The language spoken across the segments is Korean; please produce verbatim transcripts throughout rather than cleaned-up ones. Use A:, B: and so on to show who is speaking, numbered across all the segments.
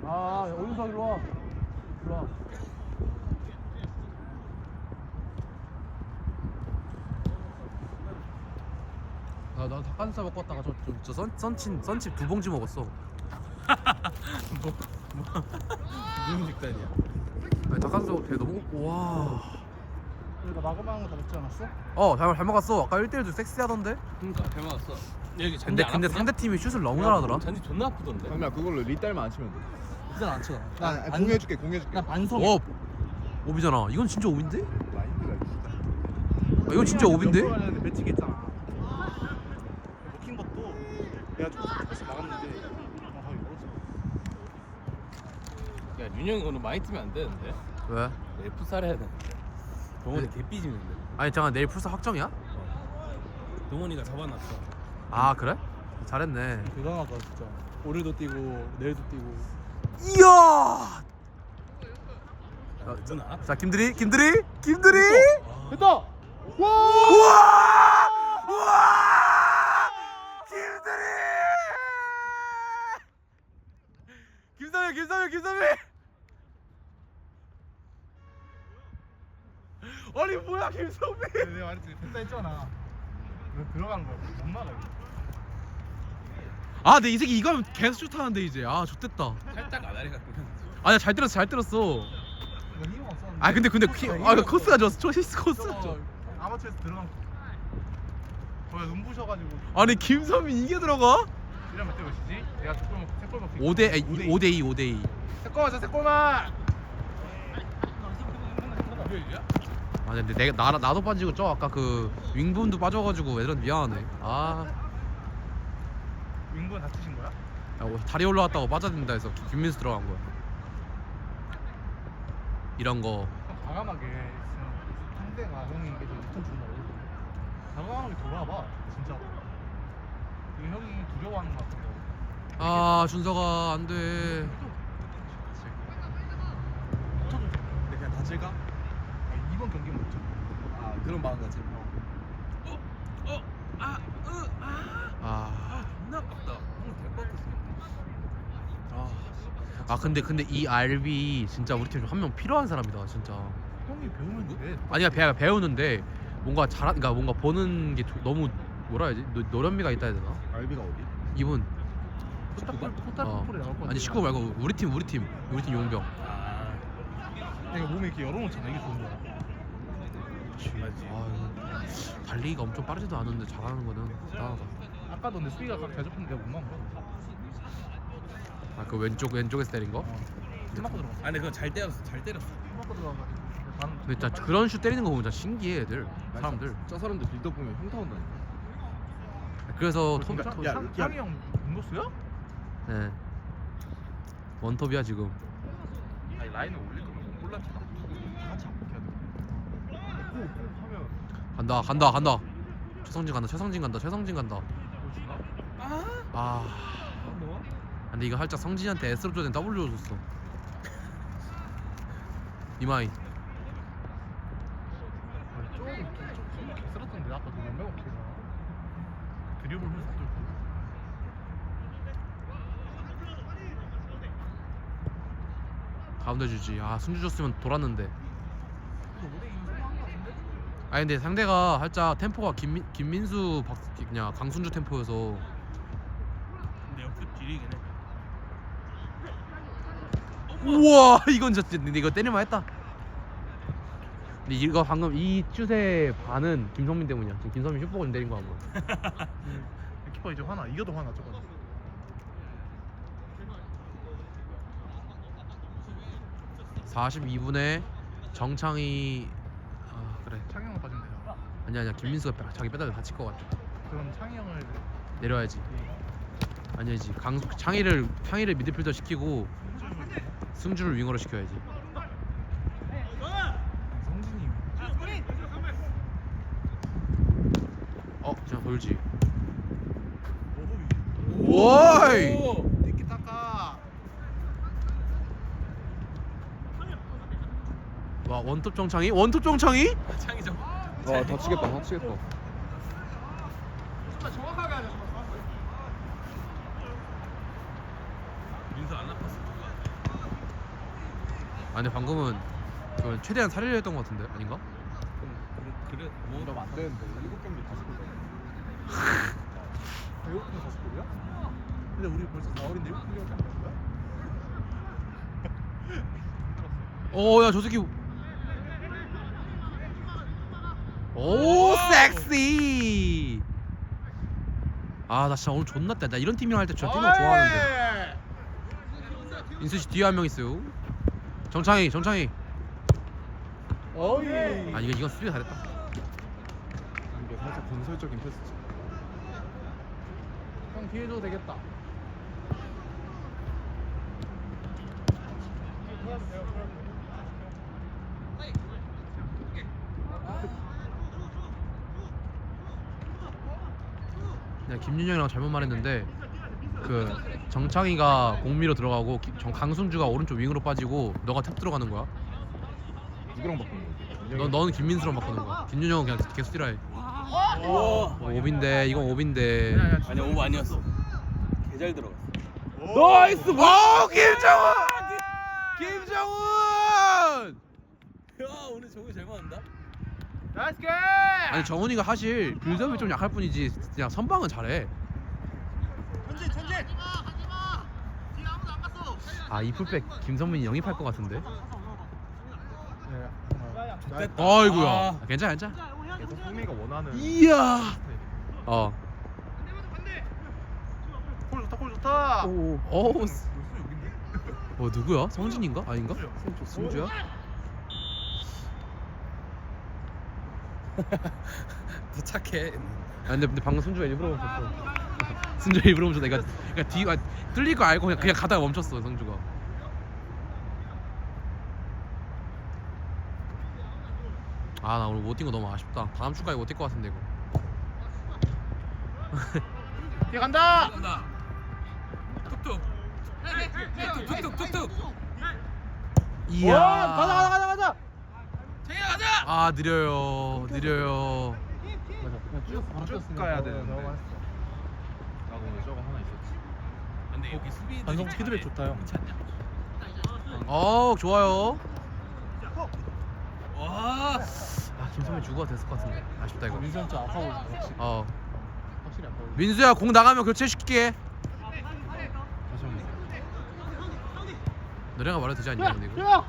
A: 아, 오윤석 일로 와. 일로 와. 나, 나 닭가슴살 먹고 왔다가 저, 저, 저 선, 선친, 선칩 두 봉지 먹었어.
B: 뭐, 뭐 무슨 식단이야?
A: 아니, 닭가슴살 되게 너무 먹고, 와.
C: 우리가 마그마한 거 다 먹지 않았어?
A: 어, 잘, 잘 먹었어. 아까 일 대일도 섹시하던데?
B: 그러니까 잘 먹었어. 여기 잔디
A: 근데,
B: 안
A: 근데
B: 아프냐?
A: 상대팀이 슛을 너무 잘하더라.
B: 잔디 존나 아프던데.
D: 강미야 그걸로 리딸만 안 치면 돼.
C: 이건 안 쳐.
D: 나 공유해줄게 공유해줄게.
C: 나 반성.
A: 오! 오비잖아. 이건 진짜 오비인데?
D: 마인드가 진짜.
A: 아, 이건 진짜 오비인데?
C: 매칭 했잖아. 먹힌 것도 내가 좀 패스 나갔는데 정확하게 먹었어.
B: 야 윤영이 오늘 많이 뛰면 안 되는데.
A: 왜?
B: 내일 풋살 해야 되는데. 동원이 개 삐지는데.
A: 아니, 잠깐 내일 풀사 확정이야?
B: 동원이가 잡아놨어.
A: 아, 그래? 잘했네.
C: 대단하다 진짜. 오늘도 뛰고 내일도 뛰고.
A: 이야!
B: 야, 누나?
A: 자, 김들이, 김들이, 김들이!
C: 됐다. 와!
A: 우와! 우와! 김들이! 김삼일, 김삼일, 김삼일! 아니 뭐야 김성민?
C: 내가 말했지 됐다 했잖아. 이거 들어간 거야. 못 막아 이거.
A: 아, 근데 이 새끼 이거 하면 계속 슛하는데 이제. 아, 좋댔다.
B: 살짝 아다리가 끄면.
A: 아니야, 잘 때렸어, 잘 때렸어.
C: 이거 힘 없었는데.
A: 아, 근데 근데 키, 아, 이거 코스가 좋았어. 초시스 코스가 좋아.
C: 저거 아마추어에서 들어간 거. 거기 눈부셔가지고.
A: 아니 김선민 이게 들어가?
C: 이러면 때 몇이지? 내가 세골 먹 세골 먹.
A: 오 대 오 대 이 오 대 이.
C: 세골 맞아 세골만.
A: 아, 근데 내가 나 나도 빠지고 저 아까 그 윙분도 빠져가지고 애들은 미안하네. 아,
C: 윙분 다치신 거야?
A: 야, 뭐 다리 올라왔다고 빠져든다 해서 김- 김민수 들어간 거야. 이런 거.
C: 좀 과감하게 있으면 상대가 형이 이게 좀 리턴 준다고. 과감하게 돌아봐 진짜로. 이거 형이 두려워하는 거 같은데.
A: 아, 준서가 안 돼.
C: 쳐도 돼.
B: 근데 그냥 다칠까?
C: 아, 이번 경기 못 쳐.
B: 아 그런 마음가짐.
A: 아,
B: 존나 아깝다. 오늘 될것 같았어.
A: 아, 아 근데 근데 이 알비 진짜 우리 팀 한 명 필요한 사람이다 진짜.
C: 형이 배우면 돼.
A: 아니야, 배 배우는데 뭔가 잘한, 그러니까 뭔가 보는 게 조- 너무 뭐라 해야지? 노, 노련미가 있다 해야 되나?
D: 알비가 어디?
A: 이분.
C: 포탈 포탈
A: 어.
C: 포탈이 나올 것 같아.
A: 아니 식구 말고 우리 팀 우리 팀 우리 팀 용병.
B: 아
C: 내가 몸에 이렇게 열어놓잖아. 이게 좋은 거야.
B: 맞지.
A: 아, 달리기가 엄청 빠르지도 않은데 잘하는 거는 대단하다.
C: 아까도 내 수비가 각 대접했는데 내가 못 막은 거야.
A: 아, 그 왼쪽 왼쪽에서 때린 거?
C: 어. 힘 맞고 들어갔어.
B: 아 근데 그거 잘 때렸어. 잘 때렸어.
C: 힘 맞고 들어가가지고. 반.
A: 근데 진짜 그런 슛 때리는 거 보면 진짜 신기해 애들 사람들.
D: 저 사람들 빌드업 보면 흉터 온다니까.
A: 그래서 토,
C: 야,
A: 토,
D: 야,
C: 상- 상이 형 공격수야?
A: 네. 원톱이야 지금.
C: 아니 라인을 올릴 거면 못 골랐잖아. 다 같이 안 먹혀야 돼. 꼭 하면
A: 간다 간다 간다. 최성진 간다 최성진 간다 최성진 간다.
C: 보여주나?
A: 아,
C: 뭐?
A: 근데 이거 살짝 성진이한테 S로 줘야 W 줬어. 이마이.
C: 아니 조금 좀 개쓰렀던데 아까 그 몇명 없잖아. 드리블 훌쩍 뚫고.
A: 가운데 주지. 아, 승주 줬으면 돌았는데.
C: 이거 오대 이거 성공한 거 같은데?
A: 아니 근데 상대가 살짝 템포가 김민 김민수 박 그냥 강순주 템포여서.
B: 근데 역습 딜이긴 해.
A: 우와, 이건 진짜 근데 이거 때릴만 했다. 근데 이거 방금 이 슛의 반은 김성민 때문이야. 지금 김성민 슛 보고 좀 때린 거 아마.
C: 키퍼 이제 화나. 이겨도 화나 저거.
A: 사십이 분에 정창이. 아, 그래.
C: 창희 형 빠지면 되잖아.
A: 아니야 아니야 김민수가 빼- 자기 빼다가 다칠 것 같아.
C: 그럼 창희 형을
A: 내려야지. 아니야지. 강 창희를 창희를 미드필더 시키고 승주를 윙어로 시켜야지.
C: 성진이
A: 어, 그냥 돌지.
C: 오호
A: 오이.
C: 티키타카.
A: 와, 원톱 정창이? 원톱 정창이?
B: 창이죠.
D: 와 다치겠다 다치겠다.
C: 정확하게 하자.
B: 민수 안 아팠어.
A: 근데 방금은 그 최대한 살리려 했던 것 같은데 아닌가?
B: 그래 그래 뭐
D: 이러면 안 되는데 일곱 경기 다섯 골.
C: 일곱 분 다섯 골이야? 근데 우리 벌써 사월인데 일곱 분이밖에 안 되는 거야?
A: 오 야 저 새끼 오 섹시 아 나 진짜 오늘 존나 때 나 이런 팀이랑 할 때 진짜 뛰는 거 좋아하는데 인수씨 뒤에 한 명 있어요 정창희 정창희
C: 어이.
A: 아 이거 이건 수비 잘했다
D: 이게 살짝 건설적인 패스지.
C: 형 뒤에 줘도 되겠다.
A: 내가 김윤영이랑 잘못 말했는데 그 정창희가 공미로 들어가고 기- 정 강승주가 오른쪽 윙으로 빠지고 너가 탭 들어가는 거야.
D: 누구랑 바꾸는 거지?
A: 너 너는 김민수랑 바꾸는 거야. 김윤영은 그냥 계속 뛰라 해.
B: 와
A: 어, 오빈데 이건 오빈데.
B: 아니 오버 아니었어 개잘 들어갔어
A: 나이스. 와 김정훈. 김정훈.
B: 야 오늘 정우 잘 맞는다
C: 나이스 게.
A: 아니 정훈이가 사실 빌드업이 좀 약할 뿐이지 그냥 선방은 잘해.
C: 전진 전진.
A: 아 이 풀백 김선민이 영입할 것 같은데.
C: 네.
B: 됐다.
A: 아이고야.
B: 아.
A: 아, 괜찮아 괜찮아.
D: 그래서 흥미가 원하는.
A: 이야. 어.
C: 골 좋다 골 좋다.
A: 오. 오. 어 누구야? 성진인가? 아닌가? 승주 승주야?
B: 더 착해
A: 아 근데, 근데 방금 승주가 일부러 멈췄어. 승주가 일부러 멈췄어. 내가 그러니까 뒤 아, 뚫릴 거 알고 그냥 그냥 가다가 멈췄어 성주가. 아 나 오늘 못 뛴 거 너무 아쉽다. 다음 주까지 못 뛸 것 같은데 이거.
C: 뒤에 간다.
B: 간다 툭툭 툭툭 툭툭
A: 이야.
C: 와, 가자 가자 가자 가자.
B: 정희야 가자
A: 아 느려요 느려요.
C: 맞아. 그냥 쭉 바로
D: 쭉
C: 뛰었으면
D: 가야
C: 더
D: 되는데.
C: 나가고 했어.
D: 나 오늘 저거 하나 있었지.
B: 근데 여기 수비
C: 반성 피드백 좋다, 형.
B: 괜찮냐
A: 어 좋아요.
B: 와
A: 아 김선민 주고가 됐을 것 같은데 아쉽다 이거.
C: 민수 형 진짜 아파 보인다. 확실히.
A: 어
C: 확실히 아파 보인다.
A: 민수야 공 나가면 교체시킬게.
D: 다시 한 번.
A: 너네가 말해도 되지 않냐 근데 이거.
C: 야!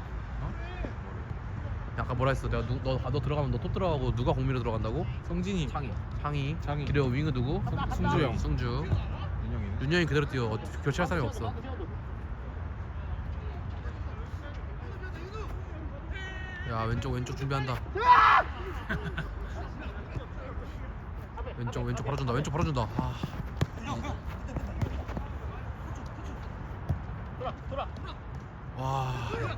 A: 아까 뭐라 했어? 내가 누, 너, 너 들어가면 너 톱 들어가고 누가 공미로 들어간다고?
C: 성진이.
A: 창희 창희
C: 창희.
A: 그리고 윙은 누구?
C: 승주 형.
A: 승주
D: 윤영이는.
A: 윤영이 그대로 뛰어. 어, 교체할 사람이 없어. 야 왼쪽 왼쪽 준비한다. 왼쪽 왼쪽 바로 준다. 왼쪽 바로 준다. 아. 와.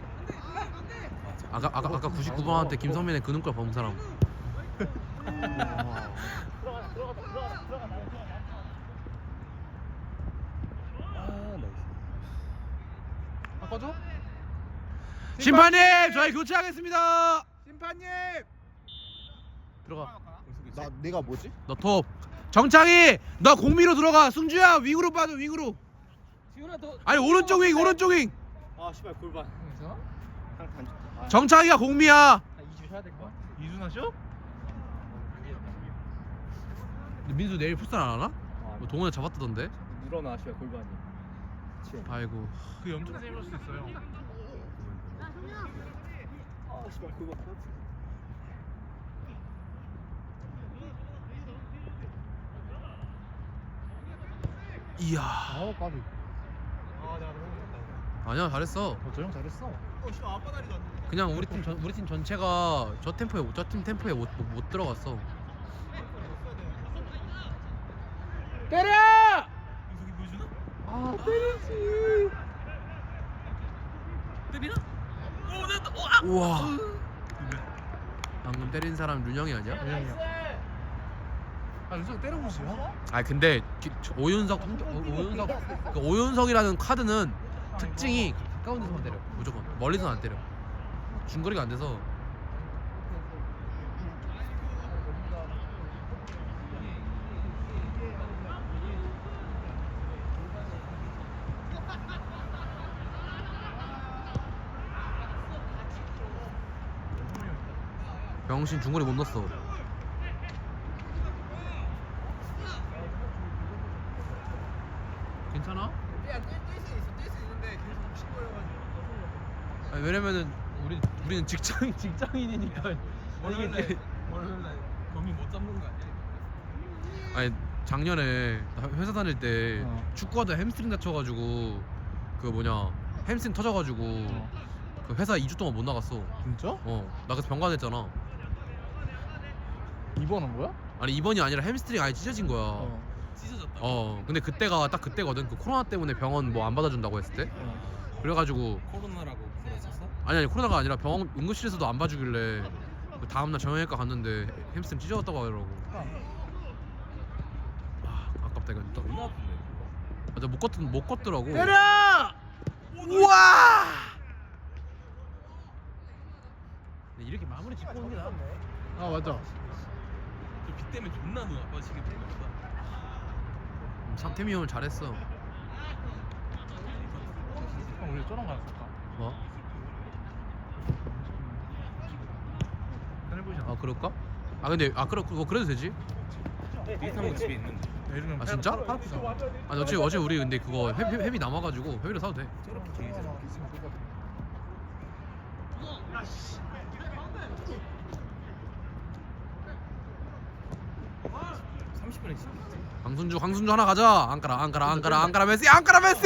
A: 아까 아까 아까 구십구 번한테 김성민의 그 눈깔 본 사람.
C: 바꿔줘?
A: 심판님 저희 교체하겠습니다.
C: 심판님.
A: 들어가.
D: 나 내가 뭐지?
A: 너 톱. 정창희 너 공미로 들어가. 승주야 윙으로 빠져 윙으로.
B: 지훈아 너
A: 아니 오른쪽 윙 오른쪽 윙.
B: 아 씨발 골반
C: 괜찮아?
B: 상탄 좋다
A: 정창희가 공미야.
C: 이주 해야 될 것 같아. 이주 하셔?
A: 민수 내일 풋살 안 하나? 뭐 동원에 잡았다던데.
B: 늘어나 씨발 골반이
A: 아이고.
C: 그 엄청 세볼 수 있어요.
B: 아 씨발 골반
A: 이야.
C: 아, 까비. 아, 내가 너무 못했다.
A: 아니야 잘했어.
C: 어, 저형 잘했어. 어, 씨, 아빠 다리도 안 돼.
A: 그냥 우리 팀 전, 우리 팀 전체가 저 템포에 저 팀 템포에 못, 못, 못 들어갔어.
C: 때려!
B: 이석이 보여주나?
A: 아 때리지.
B: 때리나? 오 됐다 오, 아!
A: 우와. 방금 때린 사람 윤영이 아니야?
C: 윤영이야. 아, 윤석 때려보시야?
A: 아 근데 기, 저 오윤석 통- 오- 오윤석 그 오윤석이라는 카드는 특징이 가까운 데서만 때려. 무조건 멀리서는 안 때려. 중거리가 안 돼서. 병신 중거리 못 넣었어. 괜찮아?
C: 뛸수 있어. 뛸 수 있는데 계속 신고해가지고.
A: 아니, 왜냐면은 우리 우리는 직장 직장인이니까
B: 월요일날 월요일날 범인 못 잡는 거 아니야?
A: 아니 작년에 나 회사 다닐 때
C: 어.
A: 축구하다 햄스트링 다쳐가지고 그 뭐냐 햄스트링 터져가지고 그 회사 이 주 동안 못 나갔어.
C: 진짜?
A: 어 나 그래서 병간했잖아.
C: 입원한 거야?
A: 아니 이번이 아니라 햄스트링 아예 찢어진 거야. 어.
B: 찢어졌다.
A: 근데 그때가 딱 그때거든. 그 코로나 때문에 병원 뭐 안 받아준다고 했을 때. 그래가지고
B: 코로나라고 그랬었어?
A: 아니 아니 코로나가 아니라 병원 응급실에서도 안 봐주길래 그 다음날 정형외과 갔는데 햄스트링 찢어졌다고 하더라고. 아 아깝다 이거. 또-
B: 존나 아픈데 그거.
A: 맞아 못 걷, 못 걷더라고.
C: 때려!
A: 우와! 이렇게 마무리 짓고 오는 게 나아.
C: 아 맞아.
B: 저비 때문에 존나 눈 아파지겠다.
A: 상태미 형은 잘했어.
C: 형 우리 저런 거 했을까?
A: 뭐?
C: 텔레비전.
A: 아 그럴까? 아 근데 아 그래 그거 그래도 되지?
B: 비슷한 거 집에 있는데.
C: 요즘은
A: 아 진짜?
C: 팔 아프잖아.
A: 아니 어제 어제 우리 근데 그거 회, 회, 회비 남아가지고 회비로 사도 돼.
B: 저렇게 되게 잘. 삼십 분에 진짜.
A: 강순주 강순주 하나 가자. 안까라 안까라 안까라 안까라 메시 안까라 메시.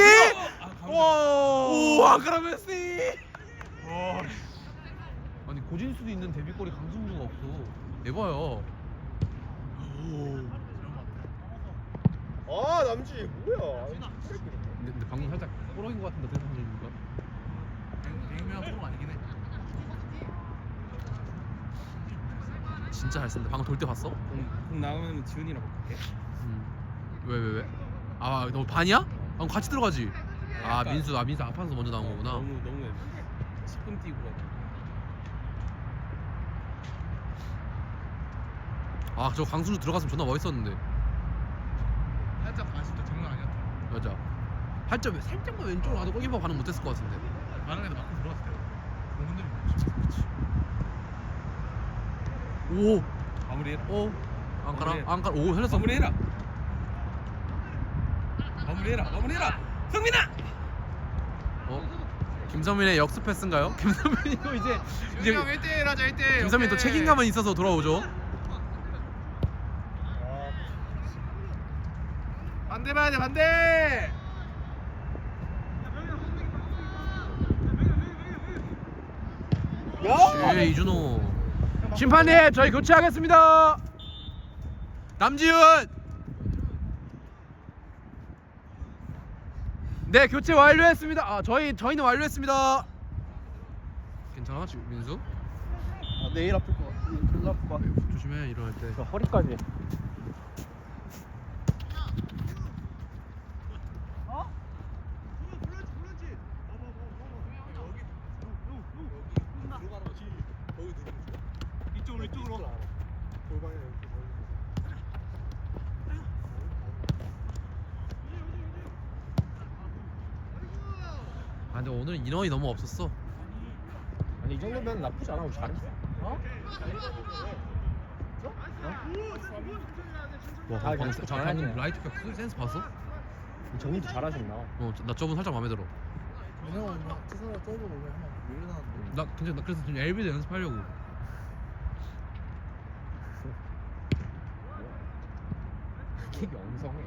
A: 오 안까라 메시.
C: 와.
A: 아니 고진수도 있는 데뷔골이 강순주가 없어. 에바야.
D: 아 남지 뭐야?
A: 근데, 근데 방금 살짝 꼬러인 것 같은데 어떻게 생각합니까?
C: 백명 프로 아니긴 해.
A: 진짜 잘 쓴다. 방금 돌 때 봤어?
B: 공, 공 나오면 지훈이랑 바꿀게.
A: 음. 왜 왜 왜? 아 너 반이야? 아 그럼 같이 들어가지. 아
B: 약간-
A: 민수 아 민수 아파서 먼저 나온 거구나.
B: 너무 너무 십 분 뛰고 가지고.
A: 아 저 강순주 들어갔으면 존나 멋있었는데.
C: 살짝 아쉽다. 장난 아니었다.
A: 맞아. 살짝 살짝만 왼쪽으로 가도 골키퍼 반응 못했을 것 같은데.
C: 다른 애들 맞고 들어왔을 때. 공 흔들림 없이.
A: 오,
B: 마무리해라.
A: 오, 안가라,
B: 마무리해.
A: 안가라. 오, 흘렸어.
B: 마무리해라. 마무리해라. 마무리해라. 성민아.
A: 어? 김선민의 역습 패스인가요? 김선민이 이거 이제 이제
C: 형 일 대 일 하자 일 대 일.
A: 김선민 또 책임감은 있어서 돌아오죠.
C: 반대 봐야 돼 반대.
A: 예, 이준호. 심판님, 저희 교체하겠습니다. 남지훈. 네, 교체 완료했습니다. 아, 저희 저희는 완료했습니다. 괜찮아, 지금 민수?
D: 아, 내일 아플 것 같아. 졸라 아플 것 같아.
A: 조심해 일어날 때.
D: 허리까지.
C: 이쪽으로 이쪽으로.
A: 아, 근데 오늘 인원이 너무 없었어.
D: 아니 이 정도면 나쁘지 않아. 우리 잘했어.
C: 어?
A: 와,
D: 아,
A: 방금
D: 그냥
A: 방-
D: 잘하네.
A: 방금 라이트 격 센스 봤어?
D: 정리도 잘하셨나?
A: 어, 나 저분 살짝 마음에 들어.
C: 왜냐면 막 투사가 떨고 오면 한번 밀려나는데.
A: 나 근데 나 그래서 지금 엘비도 연습하려고.
D: 킥이 엉성해.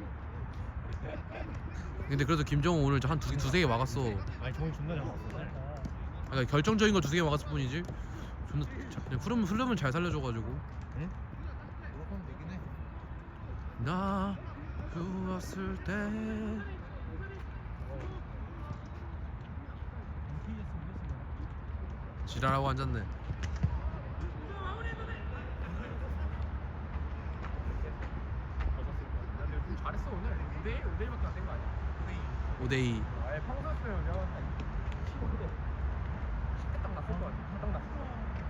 A: 근데 그래도 김정우 오늘 한 두, 두세 개 막았어.
D: 아니 정리 존나 잘 나왔어.
A: 아, 그러니까 결정적인 거 두세 개 막았을 뿐이지. 존나 자- 그냥 흐름 흐름을 잘 살려줘가지고.
C: 노력하면 되긴 해.
A: 나 누웠을 때. 지랄하고 앉았네.
C: 잘했어 오늘. 오 대 일 오 대 일밖에 안 된 거 아니야? 오 대 이.
A: 오데이.
C: 아예 평소였으면 내가 한 십오 대 십 대 딱 났을 거 아니야? 딱 났을 거.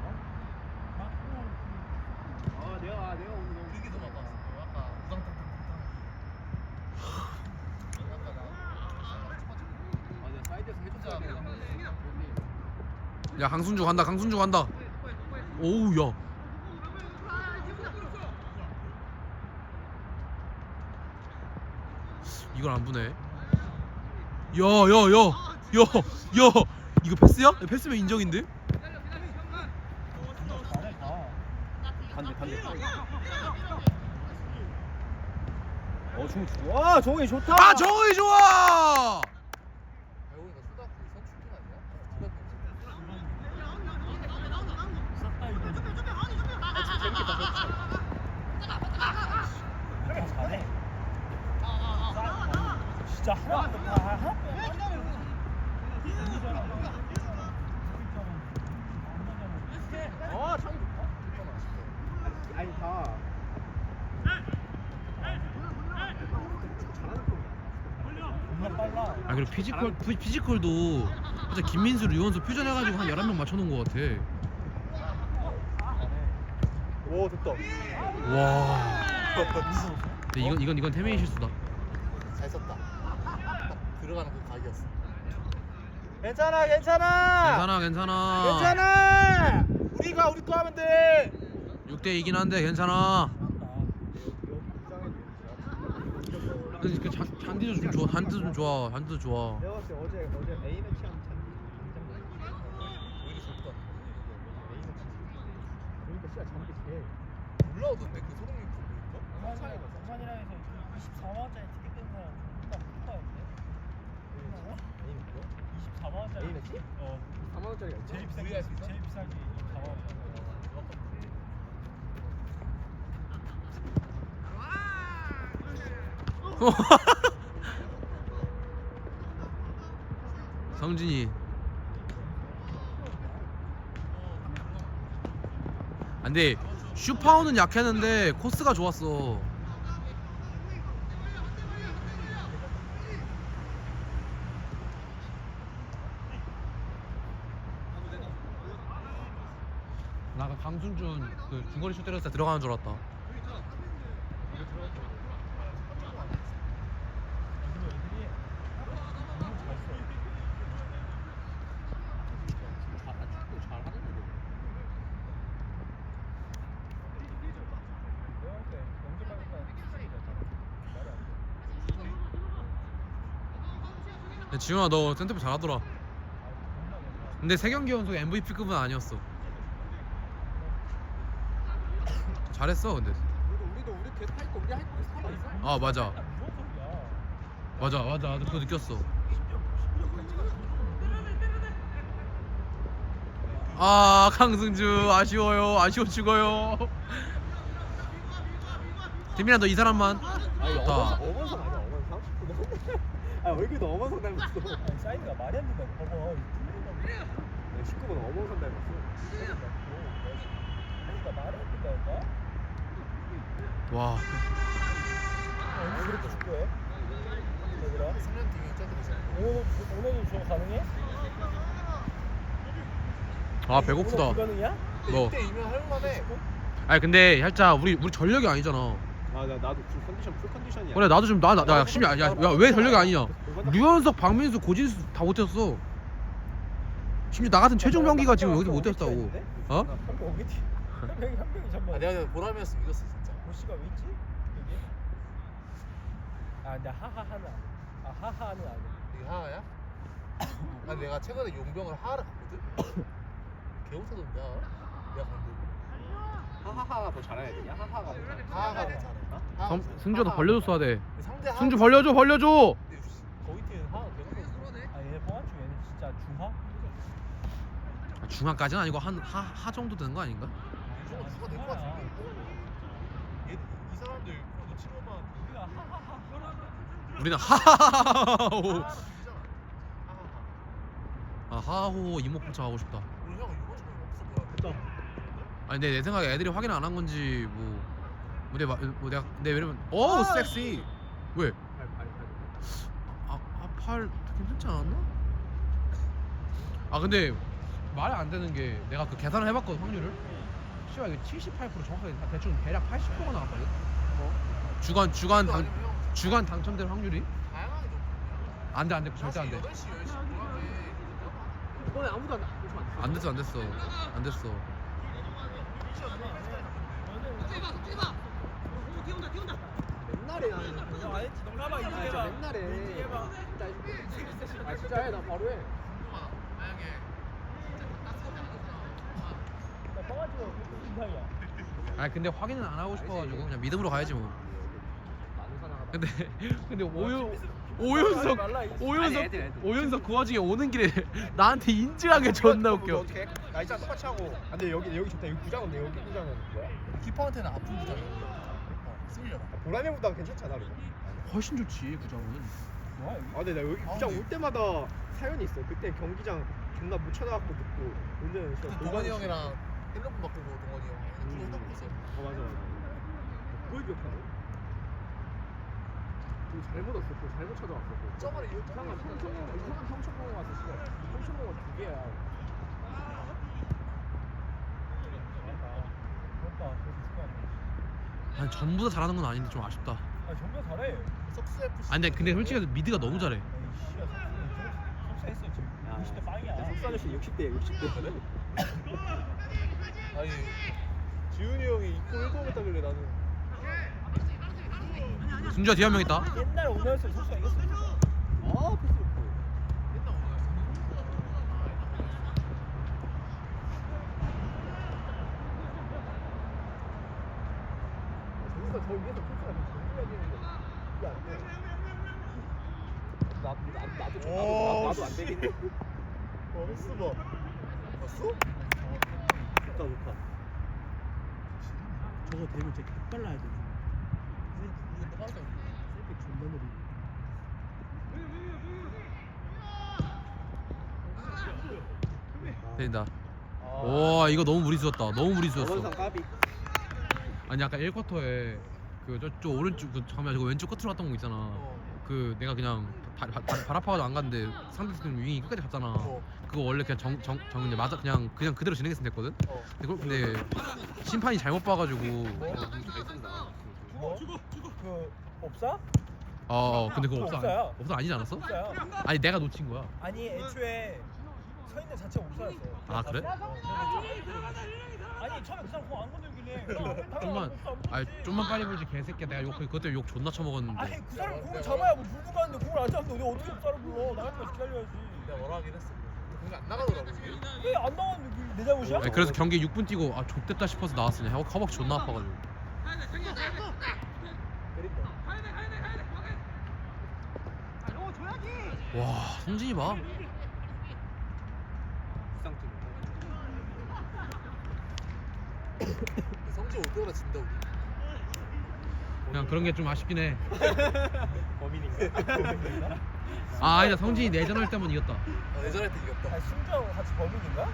C: 아 내가 내가 오늘 너무 이게 더 맞았어. 아까 우당탕탕탕. 아까 나. 아 내가 사이드에서 해줬어야 돼.
A: 야 강순주 간다. 강순주 간다. 오우 야. 이걸 안 보네. 야야야야야 이거 패스야? 패스면 인정인데?
C: 잘해 다.
D: 반대 반대. 어 종이 좋아. 종이 좋다.
A: 아 정우이 좋아.
B: 배우니까 초등학교 선출팀 아니야?
C: 싹다 이거. 이렇게 잘해. 진짜 하나도 다 하나.
D: 어 창이 좋다. 아니 다. 잘하는 편이야.
C: 정말 빨라.
A: 아 그리고 피지컬 피, 피지컬도 진짜 김민수, 류원수 퓨전해가지고 한 열한 명 맞춰놓은 것 같아.
D: 오 됐다.
A: 와. 근데 이건 이건 이건 태민이 실수다.
B: 잘 썼다. 딱 들어가는 그 각이었어.
C: 괜찮아 괜찮아.
A: 괜찮아 괜찮아.
C: 괜찮아. 우리가 우리 거 하면 돼.
A: 육 대 이긴 한데 괜찮아. 근데 그 잔, 잔디도 좀 좋아. 잔디도 좀 좋아. 잔디도 좋아.
D: 내가 봤을 때 어제 어제 A 매치 하면 참
B: 오히려 좋다.
D: A 매치. 그러니까 진짜 잠기 제일.
B: 올라오던데 그 소동님 보니까?
C: 성산이 성산이라 해서 이십사만 원짜리 티켓 뜬 사람 존나 폭파였네.
D: A 매치요?
C: 이십사만 원짜리.
D: A 매치?
C: 어.
D: 사만 원짜리가 있어?
C: 제일 비싼 게
B: 구이할 수 있어?
C: 제일 비싼 게 이십사만 원짜리.
A: 성진이. 아, 근데 슈파우는 약했는데 코스가 좋았어. 나 그 강순준 그 중거리 슛 때렸을 때 들어가는 줄 알았다.
C: 근데 애들이 너무 잘 써.
D: 축구 잘하는 애들.
C: 내가 볼 때 영재발보다 수준이잖아. 말이 안 돼.
A: 야, 지훈아 너 센터백 잘하더라. 근데 세 경기 연속 엠브이피급은 아니었어. 잘했어 근데.
B: 우리도 우리도 우리 계속 할 거 우리 할 거 살아 있어.
A: 아 맞아
C: 무슨 소리야?
A: 맞아 맞아 나도 그거 느꼈어. 아 강승주 아쉬워요. 아쉬워 죽어요. 태민아 너 이 사람만.
D: 아니
A: 좋다.
D: 어머선 어머선 아니야 어머선 삼십 분. 아 얼굴도 어머선 닮았어.
C: 아니, 사이즈가 말이 안 된다고. 봐봐. 이거
D: 십구 번 어머선 닮았어.
C: 그러니까 말이 안 된다니까.
A: 와
C: 언제 그렇게 축구해? 얘들아.
B: 삼 년 뒤에 쪄들이잖아.
C: 오늘도 오늘도 저거 가능해?
A: 아 배고프다.
C: 오늘 불가능이야?
A: 너.
B: 이때 이면 할만해.
A: 아니 근데 살짝 우리 우리 전력이 아니잖아.
D: 아 나 나도 지금 컨디션 풀 컨디션이야.
A: 그래 나도 좀 나나 나 열심히 야왜 전력이 아니냐. 류현석, 박민수, 고진수 다 못했어. 심지어 나 같은 최종 병기가 지금 여기 못했다고. 어?
C: 한명 어디? 한 명이 한 명이 잠깐.
B: 아 내가 보람이었으면 이겼어 진짜.
C: 보시가 왜 있지? 여기? 아 근데 하하하는 아 하하는 아니야.
B: 이게 하하야? 아 내가 최근에 용병을 하하를 갔거든. 개웃어던데 하하. 내가 갔는데
D: 하하하가 더 잘해야 되냐? 하하가 더 잘해.
B: 하하가 더 잘해. 하하
A: 성,
B: 진짜.
A: 승주가 더 벌려줬어야 돼.
B: 상대 하하.
A: 승주 벌려줘 벌려줘.
B: 근데 거기 팀은 하하 개웃어.
C: 아 얘네 뻥아치 얘네 진짜 중하?
A: 아, 중학까지는 아니고 한 하 하 정도 되는 거 아닌가?
B: 저거 누가 될것 같은데. 얘, 이 사람들 그 친구만
C: 우리가 하하하.
A: 우리는 하하하하호.
B: 하하를 주잖아. 하하하.
A: 아 하하호 이목 포착 하고 싶다.
B: 우리 형 이거 좀 없어 보여.
A: 아니 근데 내 생각에 애들이 확인 안 한 건지 뭐, 뭐, 내, 마- 뭐 내가 내 왜냐면 오 섹시 왜? 아, 아팔 괜찮지 않았나? 아 근데 말이 안 되는 게 내가 그 계산을 해봤거든 확률을. 씨발 이게 칠십팔 퍼센트 정확하게 다 대충 대략 팔십 퍼센트가 나왔거든. 주간 주간 당
B: 아니면 형
A: 주간 당첨될 확률이
B: 다양하게 좀.
A: 안돼 안돼 절대 안돼.
B: 여덟 시 열 시 보람에
D: 이번에 아무도 안
A: 안 됐어 안 됐어 안 됐어.
C: 맨날
D: 옛날에 나는
E: 안 했지. 농담아
D: 아
E: 이제
D: 진짜
E: 해봐.
D: 옛날에
E: 이제 해봐.
D: 진짜 해줄게. 아 진짜 해나 바로 해.
E: 나 떠가지고 인상이야.
A: 아 근데 확인은 안 하고 싶어가지고 그냥 믿음으로 가야지 뭐.
D: 많은 사나가.
A: 근데 근데 오윤 오윤석
E: 말라, 이-
A: 오윤석
D: 아니, 애들, 애들.
A: 오윤석 그 와중에 오는 길에 나한테 인증하게 존나 웃겨.
D: 어떻게? 나 진짜 똑같이 하고. 아, 근데 여기 여기 좋다. 여기 구장인데 여기 구장은 뭐야?
B: 키퍼한테는 아픈 부장이야. 어, 쓰려나.
D: 보라매보다 괜찮잖아. 이거.
A: 훨씬 좋지 구장은.
E: 뭐야 여기?
D: 아 근데 나 여기
B: 아,
D: 구장
B: 근데-
D: 올 때마다 사연이 있어. 그때 경기장 존나 못 찾아갖고 듣고 운전을 시켜.
B: 그 동원이 형이랑 핸드폰 바꾸고 동원이 형 핸드폰 핸드폰 있어.
D: 어 맞아 맞아. 그걸 기억하네. 그거 잘못 왔어. 그거 잘못 찾아왔어. 그거.
B: 저번에 이거
D: 이상한 평촌 이상한 평촌공원 와서 씨발 평촌공원 두 개야.
E: 부럽다. 그래서 있을 거 아니야.
A: 아니 전부 다 잘하는 건 아닌데 좀 아쉽다.
E: 아 전부 다 잘해.
B: 석수 에프씨.
A: 아니 근데 근데 솔직히 미드가 너무 잘해.
E: 속사했어 지금. 육십 대 빵이야.
D: 속사 아저씨 육십 대야 육십 대.
B: 아니 지훈이 형이 이코 일 등 했다길래 나는
A: 승주야 뒤에 한 명 있다.
E: 옛날 오너였으면 속사 이겼어.
D: 아 패스 좋고.
B: 맨날
D: 저기서 저 위에서 패스가 좀 정리해야 되는데 이게 안 돼. 나, 나, 나도 좀 나도, 나, 나도 안 되겠네.
B: 어 헬스 봐. 봤어?
D: 좋다 좋다.
E: 저거 되면 진짜 개빨라야 돼.
B: 근데 빠르다.
E: 셀백 존나 느리.
A: 된다. 와 이거 너무 무리수였다. 너무 무리수였어.
D: 원상 까비.
A: 아니 아까 일 쿼터에 그 저쪽 오른쪽 그 잠깐만 저거 왼쪽 끝으로 갔던 거 있잖아.
B: 어.
A: 그 내가 그냥 발, 발, 발, 발 아파가지고 안 갔는데 상대팀 윙이 끝까지 갔잖아.
B: 어.
A: 그거 원래 그냥 정 정 정 그냥 맞아 그냥 그냥 그대로 진행했으면 됐거든.
B: 어.
A: 근데, 그걸- 근데 심판이 잘못 봐가지고
E: 뭐? 그 없사?
A: 어, 어 근데 그거
E: 그거
A: 없어
E: 없어요.
A: 아니, 없어 아니지 않았어?
E: 없사야.
A: 아니 내가 놓친 거야.
E: 아니 애초에 서 있는 자체가 없사였어.
A: 아, 그래?
E: 아니 처음에 그 사람 공안 건들길래
A: 좀만 아니 좀만 빨리 보지 개새끼야. 내가 욕 그것 때문에 욕 존나 쳐먹었는데.
E: 아니 그 사람 공을 잡아야 뭐 물고 가는데 공을 안 잡는데 내가 어떻게 없사를 불러. 나갈 때까지 기다려야지.
B: 내가 뭐라 하긴 했어. 공이 안 나가더라고 이게.
E: 왜 안 나왔는데 그게 내 잘못이야?
A: 아니, 그래서 경기 육 분 뛰고 아 좆됐다 싶어서 나왔으냐. 허- 허벅지 존나 아파가지고.
D: 때린다.
A: 와 성진이 봐.
D: 부상팀.
B: 성지 올 때마다 진다 우리.
A: 그냥 그런 게 좀 아쉽긴 해.
D: 범인인가?
A: 아 아니다 성진이 내전할 때만 이겼다.
B: 아, 예전에 때 이겼다.
E: 아니 승주하고 같이 범인인가?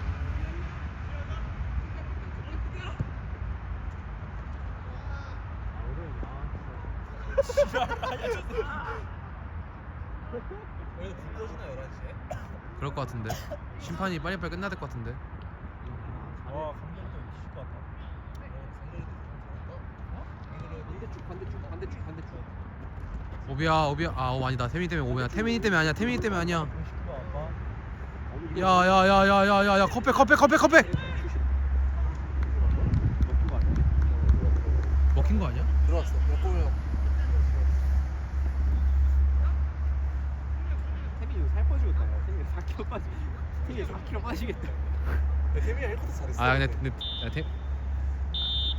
B: 그래도 불 꺼지나 열한 시에?
A: 그럴 것 같은데. 심판이 빨리빨리 끝나야 될 것 같은데.
E: 와 감독도 미칠 것 같다.
D: 반대쪽 반대쪽 반대쪽 반대쪽.
A: 오비야 오비야 아 오, 아니다 태민이 때문에 오비야. 태민이 때문에 아니야. 태민이 때문에 아니야.
E: 공식도 안 봐.
A: 야야야야야야야 컵백 컵백 컵백 컵백. 먹힌 거 아니야?
B: 들어왔어. 역보면
D: 태민이 이거 살 빠지겠다. 야. 태민이 사 킬로 빠지. 태민이 사 킬로 빠지겠다.
B: 태민이가 일 쿼터 잘했어.
A: 아 근데 근데 야, 태,